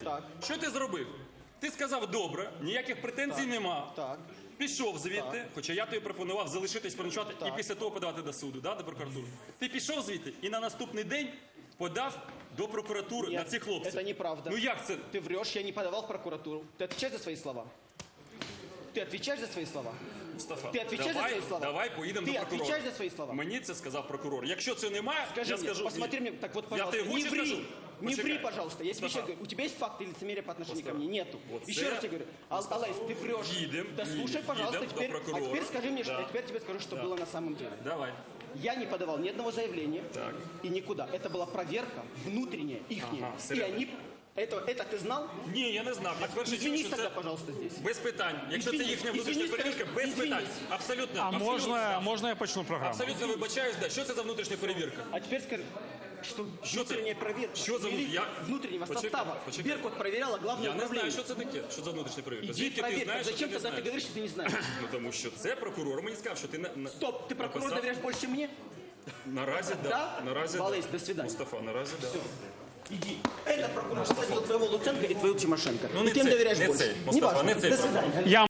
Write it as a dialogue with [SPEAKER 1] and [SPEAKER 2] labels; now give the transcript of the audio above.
[SPEAKER 1] Так.
[SPEAKER 2] Що ти зробив? Ти сказав, добре, ніяких претензій нема.
[SPEAKER 1] Так.
[SPEAKER 2] Пішов звідти, хоча я тобі пропонував залишитись переночувати і після того подавати до суду, до прокуратури. Ти пішов звідти і на наступний день подав до прокуратури на цих хлопців.
[SPEAKER 1] Это неправда.
[SPEAKER 2] Ну як це?
[SPEAKER 1] Ты врешь, я не подавал в прокуратуру. Ты отвечаешь за свои слова? Ты отвечаешь за свои слова?
[SPEAKER 2] Мустафа,
[SPEAKER 1] Ти відповідаєш за свої слова?
[SPEAKER 2] давай поїдемо
[SPEAKER 1] Ти
[SPEAKER 2] до прокурора.
[SPEAKER 1] відповідаєш за свої слова?
[SPEAKER 2] Мені це сказав прокурор. Якщо це немає,
[SPEAKER 1] Скажи
[SPEAKER 2] я
[SPEAKER 1] мне,
[SPEAKER 2] скажу.
[SPEAKER 1] посмотри мне, так вот,
[SPEAKER 2] Я
[SPEAKER 1] пожалуйста,
[SPEAKER 2] тебе
[SPEAKER 1] не
[SPEAKER 2] очень
[SPEAKER 1] ври,
[SPEAKER 2] скажу.
[SPEAKER 1] не
[SPEAKER 2] Почекай.
[SPEAKER 1] ври, пожалуйста. Я тебе
[SPEAKER 2] Мустафа.
[SPEAKER 1] еще говорю, у тебя есть факты или лицемерие по отношению ко
[SPEAKER 2] Мустафа.
[SPEAKER 1] мне? Нету.
[SPEAKER 2] Вот
[SPEAKER 1] Еще
[SPEAKER 2] это-
[SPEAKER 1] раз тебе говорю, Алайс, ты врешь.
[SPEAKER 2] Едем,
[SPEAKER 1] Да слушай,
[SPEAKER 2] едем
[SPEAKER 1] пожалуйста,
[SPEAKER 2] до
[SPEAKER 1] теперь, а
[SPEAKER 2] прокурора.
[SPEAKER 1] теперь скажи мне,
[SPEAKER 2] Да.
[SPEAKER 1] а теперь тебе скажу, что было на самом деле.
[SPEAKER 2] Давай.
[SPEAKER 1] Я не подавал ни одного заявления
[SPEAKER 2] Так.
[SPEAKER 1] и никуда. Это была проверка внутренняя, ихняя.
[SPEAKER 2] Ага,
[SPEAKER 1] И
[SPEAKER 2] серьезно?
[SPEAKER 1] они... Это ты знал?
[SPEAKER 2] Ні, я не знав. Я вперше чув,
[SPEAKER 1] Извинись
[SPEAKER 2] що
[SPEAKER 1] тогда,
[SPEAKER 2] це
[SPEAKER 1] пожалуйста, здесь.
[SPEAKER 2] без питань. Якщо це
[SPEAKER 1] Извинись,
[SPEAKER 2] їхня внутрішня
[SPEAKER 1] извинись,
[SPEAKER 2] перевірка, без
[SPEAKER 1] извинись.
[SPEAKER 2] питань. Абсолютно.
[SPEAKER 3] А
[SPEAKER 2] абсолютно.
[SPEAKER 3] можна я почну програму?
[SPEAKER 2] Абсолютно вибачаюсь, да. Що це за внутрішня перевірка?
[SPEAKER 1] А теперь скажи, что
[SPEAKER 2] Что ты-
[SPEAKER 1] внутренняя проверка
[SPEAKER 2] что за-
[SPEAKER 1] милиции,
[SPEAKER 2] я-
[SPEAKER 1] внутреннего
[SPEAKER 2] Почекай,
[SPEAKER 1] состава.
[SPEAKER 2] почекай.
[SPEAKER 1] Беркут проверяла главное
[SPEAKER 2] Я не
[SPEAKER 1] управление.
[SPEAKER 2] знаю, що це таке. Що за внутрішня перевірка?
[SPEAKER 1] Иди
[SPEAKER 2] Звідки ти
[SPEAKER 1] проверь.
[SPEAKER 2] знаєш, що ти
[SPEAKER 1] Зачем
[SPEAKER 2] не
[SPEAKER 1] тогда ты
[SPEAKER 2] знаєш?
[SPEAKER 1] говоришь, что ты не знаешь?
[SPEAKER 2] Ну тому що це прокурор мені сказав, що ти на...
[SPEAKER 1] Стоп, ты прокурору
[SPEAKER 2] написав.
[SPEAKER 1] доверяешь больше, чем мне?
[SPEAKER 2] Наразі да.
[SPEAKER 1] Да?
[SPEAKER 2] Наразі
[SPEAKER 1] Валерий,
[SPEAKER 2] да.
[SPEAKER 1] до свидания.
[SPEAKER 2] Мустафа, наразі да.
[SPEAKER 1] Иди. Это прокурор посадил твоего Луценко и твою Тимошенко.
[SPEAKER 2] Ну,
[SPEAKER 1] и
[SPEAKER 2] не
[SPEAKER 1] ты им
[SPEAKER 2] цей,
[SPEAKER 1] доверяешь
[SPEAKER 2] не
[SPEAKER 1] больше.
[SPEAKER 2] цей, Мустафа,
[SPEAKER 1] Неважно.
[SPEAKER 2] не цей
[SPEAKER 1] До
[SPEAKER 2] прокурор.
[SPEAKER 1] свидания.
[SPEAKER 3] Я